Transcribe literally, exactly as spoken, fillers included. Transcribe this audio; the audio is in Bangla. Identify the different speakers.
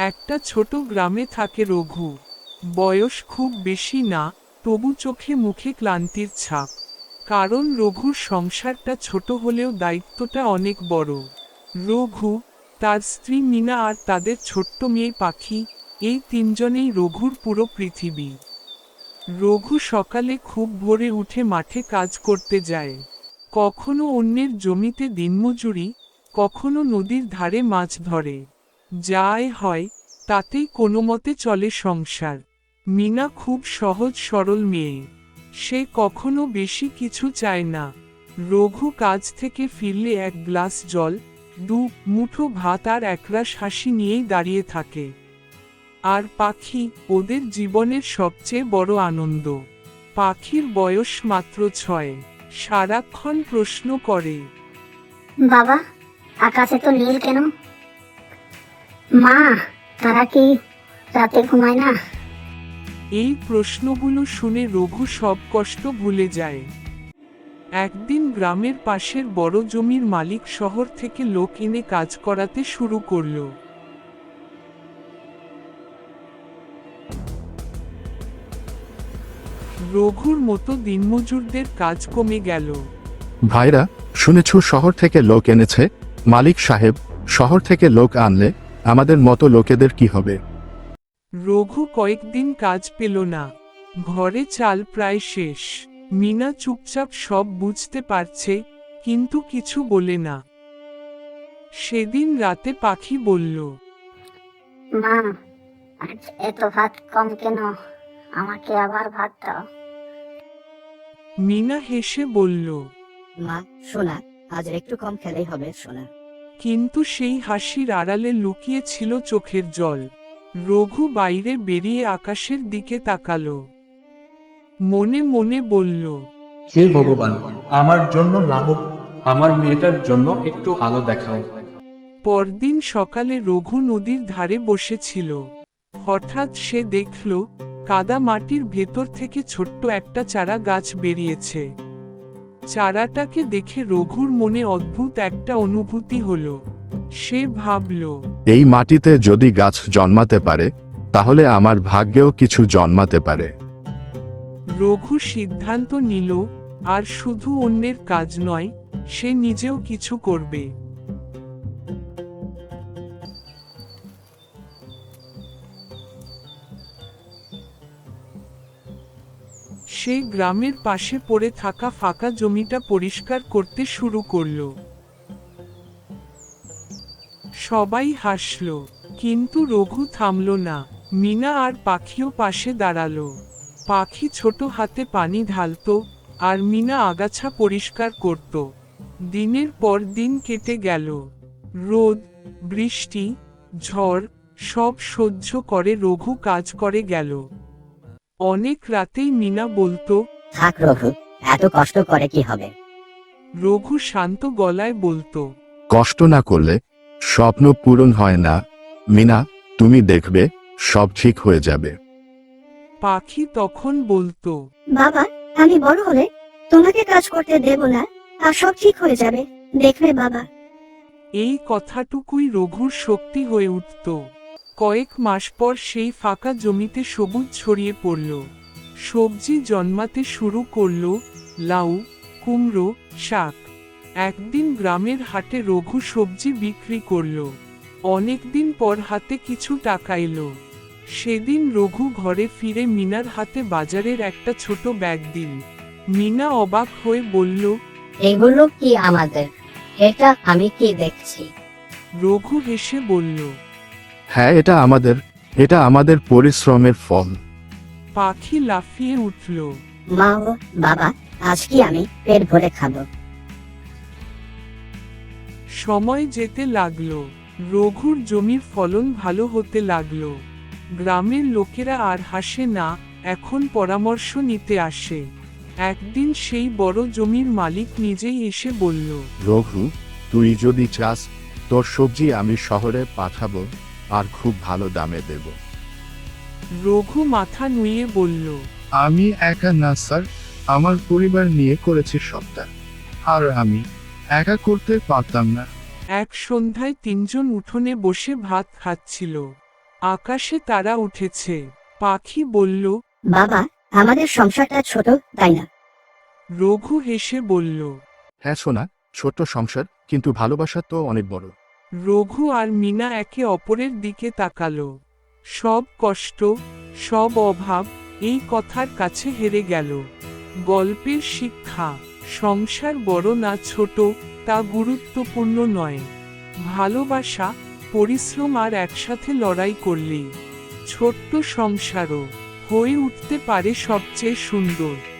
Speaker 1: একটা ছোট গ্রামে থাকে রঘু। বয়স খুব বেশি না, তবু চোখে মুখে ক্লান্তির ছাপ। কারণ রঘুর সংসারটা ছোট হলেও দায়িত্বটা অনেক বড়। রঘু, তার স্ত্রী মিনা আর তাদের ছোট্ট মেয়ে পাখি, এই তিনজনেই রঘুর পুরো পৃথিবী। রঘু সকালে খুব ভোরে উঠে মাঠে কাজ করতে যায়। কখনো অন্যের জমিতে দিনমজুরি, কখনো নদীর ধারে মাছ ধরে। যাই হয় তাতেই কোনোমতে চলে সংসার। মিনা খুব সহজ সরল মেয়ে। সে কখনো বেশি কিছু চায় না। রঘু কাজ থেকে ফিরলে এক গ্লাস জল, দু মুঠো ভাত আর একরাশ হাসি নিয়েই দাঁড়িয়ে থাকে। আর পাখি ওদের জীবনের সবচেয়ে বড় আনন্দ। পাখির বয়স মাত্র ছয়। সারাক্ষণ প্রশ্ন করে,
Speaker 2: বাবা, আকাশে তো নীল কেন? মা, তারা কি রাতে ঘুমায় না?
Speaker 1: এই প্রশ্নগুলো শুনে রঘু সব কষ্ট ভুলে যায়। একদিন গ্রামের পাশের বড় জমির মালিক শহর থেকে লোক এনে কাজ করাতে শুরু করল। রঘুর মতো দিনমজুরদের কাজ কমে গেল।
Speaker 3: ভাইরা, শুনেছ শহর থেকে লোক এনেছে? মালিক সাহেব, শহর থেকে লোক আনলে আমাদের মতো লোকেদের কি হবে?
Speaker 1: রঘু কয়েকদিন কাজ পেল না। ঘরে চাল প্রায় শেষ। মিনা চুপচাপ সব বুঝতে পারছে, কিন্তু কিছু বলে না। সেদিন রাতে পাখি বলল,
Speaker 2: মা, আজ এত ভাত কম কেন? আমাকে আবার ভাত দাও।
Speaker 1: মিনা হেসে বলল,
Speaker 4: মা, সোনা, আজ একটু কম খেলেই হবে সোনা।
Speaker 1: কিন্তু সেই হাসির আড়ালে লুকিয়ে ছিল চোখের জল। রঘু বাইরে বেরিয়ে আকাশের দিকে তাকালো। মনে মনে বলল,
Speaker 5: হে ভগবান, আমার জন্য লাঘব, আমার মেয়েটার জন্য একটু আলো দেখাও।
Speaker 1: পরদিন সকালে রঘু নদীর ধারে বসেছিল। হঠাৎ সে দেখল, কাদা মাটির ভেতর থেকে ছোট্ট একটা চারা গাছ বেরিয়েছে। চারাটাকে দেখে রঘুর মনে অদ্ভুত একটা অনুভূতি হলো। সে ভাবল,
Speaker 3: এই মাটিতে যদি গাছ জন্মাতে পারে, তাহলে আমার ভাগ্যেও কিছু জন্মাতে পারে।
Speaker 1: রঘু সিদ্ধান্ত নিল, আর শুধু অন্যের কাজ নয়, সে নিজেও কিছু করবে। সে গ্রামের পাশে পড়ে থাকা ফাঁকা জমিটা পরিষ্কার করতে শুরু করল। সবাই হাসল, কিন্তু রঘু থামল না। মিনা আর পাখিও পাশে দাঁড়ালো। পাখি ছোট হাতে পানি ঢালত, আর মিনা আগাছা পরিষ্কার করত। দিনের পর দিন কেটে গেল। রোদ, বৃষ্টি, ঝড় সব সহ্য করে রঘু কাজ করে গেল। অনেক রাতেই মিনা বলতো,
Speaker 4: থাক রঘু, এত কষ্ট করে কি হবে?
Speaker 1: রঘু শান্ত গলায় বলতো,
Speaker 3: কষ্ট না করলে স্বপ্ন পূরণ হয় না। মিনা, তুমি দেখবে সব ঠিক হয়ে যাবে।
Speaker 1: পাখি তখন বলতো,
Speaker 2: বাবা, আমি বড় হলে তোমাকে কাজ করতে দেব না, আর সব ঠিক হয়ে যাবে, দেখবে বাবা।
Speaker 1: এই কথাটুকুই রঘুর শক্তি হয়ে উঠত। কয়েক মাস পর সেই ফাঁকা জমিতে সবুজ ছড়িয়ে পড়ল। সবজি জন্মাতে শুরু করল, লাউ, কুমড়ো, শাক। একদিন গ্রামের হাটে রঘু সবজি বিক্রি করল। অনেকদিন পর হাতে কিছু টাকা এলো। সেদিন রঘু ঘরে ফিরে মিনার হাতে বাজারের একটা ছোট ব্যাগ দিল। মিনা অবাক হয়ে বলল,
Speaker 4: এগুলো কি আমাদের? এটা আমি কি দেখছি?
Speaker 1: রঘু হেসে বলল,
Speaker 3: হ্যাঁ, এটা আমাদের, এটা আমাদের পরিশ্রমের ফল।
Speaker 1: পাখি লাফিয়ে উঠল।
Speaker 4: মা ও বাবা, আজ কি আমি পেট ভরে খাবো?
Speaker 1: সময় যেতে লাগলো। রঘুর জমির ফলন ভালো হতে লাগলো। গ্রামের লোকেরা আর হাসে না, এখন পরামর্শ নিতে আসে। একদিন সেই বড় জমির মালিক নিজেই এসে বলল,
Speaker 3: রঘু, তুই যদি চাস, তোর সবজি আমি শহরে পাঠাবো, আর খুব ভালো দামে দেব।
Speaker 1: রঘু মাথা নুয়ে বলল,
Speaker 6: আমি একা না স্যার, আমার পরিবার নিয়ে করেছি সবটা, আর আমি একা করতে পারতাম না।
Speaker 1: এক সন্ধ্যায় তিনজন উঠোনে বসে ভাত খাচ্ছিল। আকাশে তারা উঠেছে। পাখি বলল।
Speaker 4: বাবা, আমাদের সংসারটা ছোট, তাই না?
Speaker 1: রঘু হেসে বলল।
Speaker 3: হ্যাঁ সোনা, ছোট্ট সংসার, কিন্তু ভালোবাসা তো অনেক বড়।
Speaker 1: রঘু আর মিনা একে অপরের দিকে তাকালো। সব কষ্ট, সব অভাব এই কথার কাছে হেরে গেল। গল্পের শিক্ষা, সংসার বড় না ছোট তা গুরুত্বপূর্ণ নয়। ভালোবাসা, পরিশ্রম আর একসাথে লড়াই করলেই ছোট্ট সংসারও হয়ে উঠতে পারে সবচেয়ে সুন্দর।